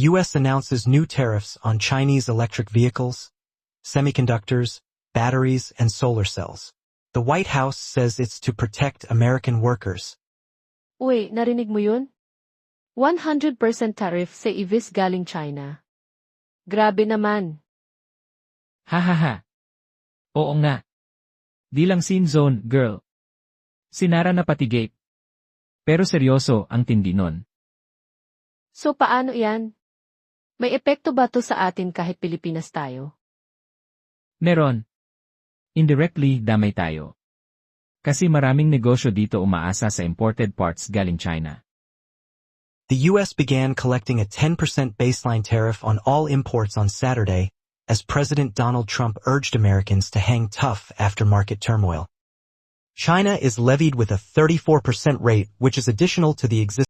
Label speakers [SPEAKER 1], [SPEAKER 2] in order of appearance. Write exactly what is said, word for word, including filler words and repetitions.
[SPEAKER 1] The U S announces new tariffs on Chinese electric vehicles, semiconductors, batteries, and solar cells. The White House says it's to protect American workers.
[SPEAKER 2] Uy, narinig mo yun? one hundred percent tariff sa E Vs galing China. Grabe naman.
[SPEAKER 3] Hahaha. Oo nga. Di lang scene zone, girl. Sinara na pati gate. Pero seryoso ang tindi nun.
[SPEAKER 2] So paano yan? May epekto ba to sa atin kahit Pilipinas tayo?
[SPEAKER 3] Meron. Indirectly, damay tayo. Kasi maraming negosyo dito umaasa sa imported parts galing China.
[SPEAKER 1] The U S began collecting a ten percent baseline tariff on all imports on Saturday, as President Donald Trump urged Americans to hang tough after market turmoil. China is levied with a thirty-four percent rate, which is additional to the existing